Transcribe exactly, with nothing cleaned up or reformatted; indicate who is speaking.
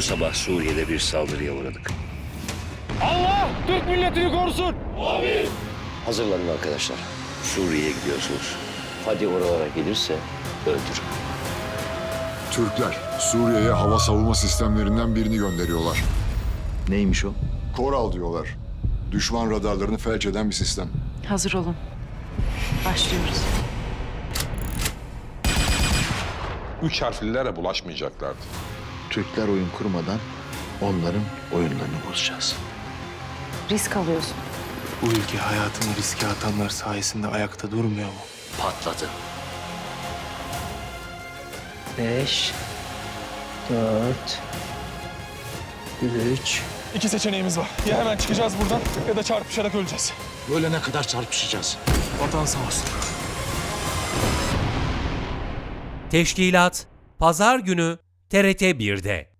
Speaker 1: sabah Suriye'de bir saldırıya uğradık.
Speaker 2: Allah Türk milletini korusun.
Speaker 1: Hazırlanın arkadaşlar. Suriye'ye gidiyorsunuz. Hadi oralara gelirse öldürün.
Speaker 3: Türkler Suriye'ye hava savunma sistemlerinden birini gönderiyorlar.
Speaker 4: Neymiş o?
Speaker 3: Koral diyorlar. Düşman radarlarını felç eden bir sistem.
Speaker 5: Hazır olun. Başlıyoruz.
Speaker 6: Üç harflilere bulaşmayacaklardı.
Speaker 4: Türkler oyun kurmadan onların oyunlarını bozacağız.
Speaker 5: Risk alıyorsun.
Speaker 7: Bu ülke hayatını riske atanlar sayesinde ayakta durmuyor mu?
Speaker 1: Patladı.
Speaker 8: Beş, dört, üç.
Speaker 2: İki seçeneğimiz var. Ya hemen çıkacağız buradan ya da çarpışarak öleceğiz.
Speaker 4: Ölene kadar çarpışacağız.
Speaker 2: Vatan sağ olsun.
Speaker 9: Teşkilat Pazar günü T R T bir'de.